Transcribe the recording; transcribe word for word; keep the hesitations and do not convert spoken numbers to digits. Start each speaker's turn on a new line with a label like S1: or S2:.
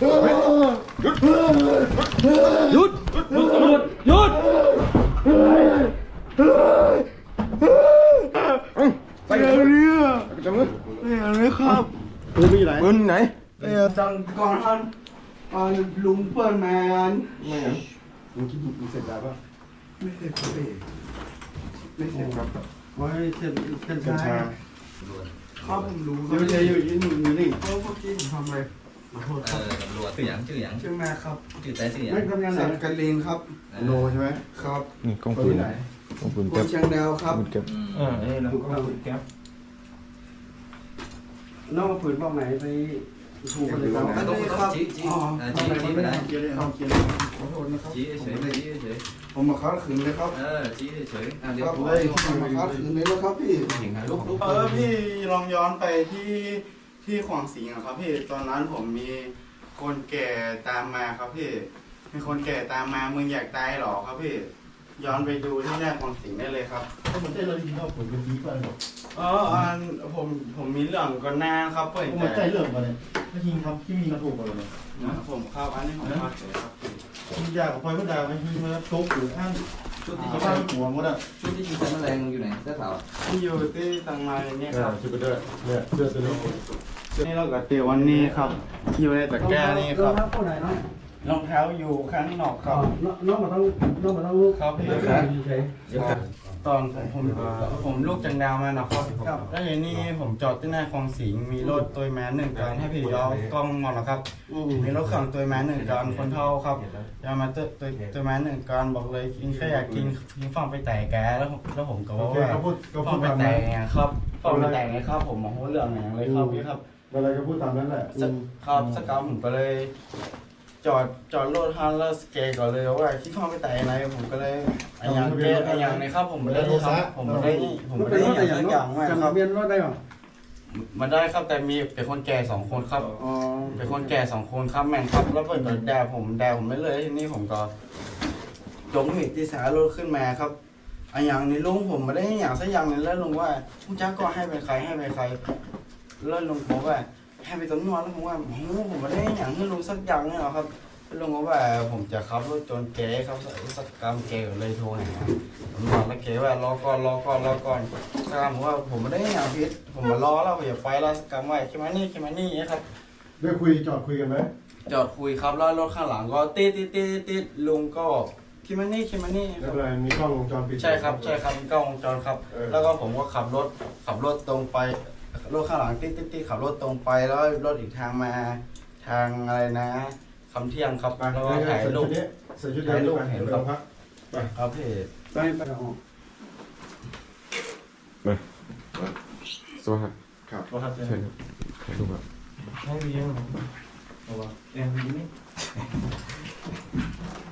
S1: หยุดหยุดตำรวจหยุด
S2: ไปกันเนี่ยจังเลยนี่ครับปืนไปอยู่ไหนปืนไหนเออจังก่อนท่านลุงเปิดแมนไม่เหรอลุงคิดดูเสร็จแล้วป่ะไม่เสร็จครับพี่ไม่เสร็จครับไว้เสร็จกัญชาครับผมรู้เดี๋ยวจะอยู่ยืนหนึ่งนี่เพราะเมื่อกี้ผมทำอะไรขอโทษครับ
S3: เออตำรวจชื่อหยังชื่อหยัง
S2: ชื่อแม่ครับ
S3: ชื่อแต่ชื่อหยัง
S2: ไม่ทำงานไหนกันเลนครับโนใช่ไหมครับ
S4: นี่กล้องปืนกล้องปืน
S2: ค
S4: แก๊
S2: น
S4: ป
S2: เชียงดาวครับ
S4: ปืนแก๊ป
S1: เออนี่นะแก๊ป
S2: น้องมาผืนบอกไหนไปถูกกันเลยครับ
S3: ต้องต้องชี้ชี้อ่าชี้ชี้ไปไหน
S2: เขาเขียนขอโทษนะครับ
S3: ชี้เฉยๆชี้เฉย
S2: ผมมาค้าคืนเลยครับ
S3: ๆเออชี้เฉยๆอ่าเดี๋ยว
S2: ครับ
S3: ผม
S2: เลยผมมาค้าคืนเลยแล้วครับพี่
S3: ลุกลุก
S5: เออพี่ลองย้อนไปที่ที่ขวางสิงห์อะครับพี่ตอนนั้นผมมีคนแก่ตามมาครับพี่มีคนแก่ตามมามึงอยากตายหรอครับพี่ย้อนไปดูที่แรกขวางสิงห์ได้เลยครับ
S6: ถ้ามันได้เราดีเราผมเป็นดีกว่าหรอก
S5: เอออันผมผมมีเรื่องก่อนหน้าครับเปิด
S6: ผมใจเรื่องกันเลยถ้ายิงทำที่มีกระถูกกันเลย
S5: ผมครับอันนี้ผมพลาดเลยครับ
S6: ยิงยากับไฟก็ดาวยิงมาตกหรืออ้าง
S3: ชุดที่
S6: ที่
S3: ยิง
S6: บ้านหัวหมดอ่ะ
S3: ชุดที่ยิงใส่แมลงอยู่ไหนเสื้อขาว
S5: ที่อยู่ที่ตังไลเนี่ยครับ
S6: ชุดกระเดื่อเนี่ยเสื้อตัวนี้
S5: นี่เราก็เตียววันนี้ครับอยู่ในตะแกรงนี่ครับ
S2: น้องคนไหนน้อง
S5: รองเท้าอยู่ข้างนอกครับ
S2: น้องมาต้องน้องมาต้องลูก
S5: ครับพี่ ตอนผมผมผมลูกจังดาวมานะครับแล้วอย่างนี้ผมจอดที่หน้าคลองสิงห์มีรถตัวแมนหนึ่งกันให้พี่ยอกล้องมองนะครับ มีรถขังตัวแมนหนึ่งกันคนเท่าครับยามาตัวตัวตัวแมนหนึ่งกันบอกเลยกินแค่อยากกินกินฟังไปแต่แกแล้วแล้วผมก็บอกว่า
S6: เขาพูดเขา
S5: ฟั
S6: พู
S5: ง
S6: ด
S5: ไป
S6: ตาม
S5: แต่
S6: นั้น
S5: ไงครับฟังไปแต่ไงครับ ผมมองเรื่องไหนเลยครับพี่ครับ
S6: อะไรก็พูดตามนั้นแหละ
S5: ครับสกาวผมก็เลย จอดจอดรถฮันแล้วสเกย์ก่อนเลยว่าคิดฟังไปแต่ไหนผมก็เลยไอ้ยังเกย์ไอ้ยังในครับผมไม่ได้ทำผมไม่ได้ผมไม่ได้อย่างสักอย่างไม่ครับ
S2: เบียนรถได้หรอ
S5: มาได้ครับแต่มีเป็นคนแก่สองคนครับ
S2: อ๋อ
S5: เป็นคนแก่สองคนครับแม่งครับแล้วเปิดแดดผมแดดผมไม่เลยทีนี้ผมก็ยกหินที่สารถขึ้นมาครับไอ้อย่างนี้ลุงผมไม่ได้อย่างสักอย่างเลยแล้วลุงว่าผู้จ้าก็ให้ไปใครให้ไปใครแล้วลุงบอกว่าให้ไปตำรวจแล้วผมว่าโอ้โหผมไม่ได้อย่างให้ลุงสักอย่างเลยหรอครับลุงบอกว่าผมจะขับรถจนเก๋ครับสักกรรมเก๋เลยโทรหาผมบอกแล้วเก๋ว่ารอก่อนรอก่อนรอก่อนสักกรรมผมว่าผมไม่ได้อย่างพิษผมมารอแล้วผมอย่าไปแล้วสักกรรมว่าคิดมานี่คิดมานี่ครับ
S6: ได้คุยจอดคุยกันไหม
S5: จอดคุยครับแล้วรถข้างหลังก็ติดติดติดติดลุงก็คิดมานี่คิดมานี่
S6: แล้วอะไรมีกล้องวงจรปิด
S5: ใช่ครับใช่ครับมีกล้องวงจรครับ แล้วก็ผมก็ขับรถขับรถตรงไปรถข้างหลังติดติดติดขับรถตรงไปแล้วรถอีกทางมาทางอะไรนะคำเที่ยงครับแล้วก็ถ่ายรูป
S6: ใส่ชุดเดียวกันเห็นครับ
S5: ครับเพจ
S2: ไปไปออก
S4: สวัสดีครับ
S6: ครับ
S4: เชิญครับถ่ายรูปครับ
S6: ให้เลี้ยงเอาวะ
S1: เอ็มวีนี่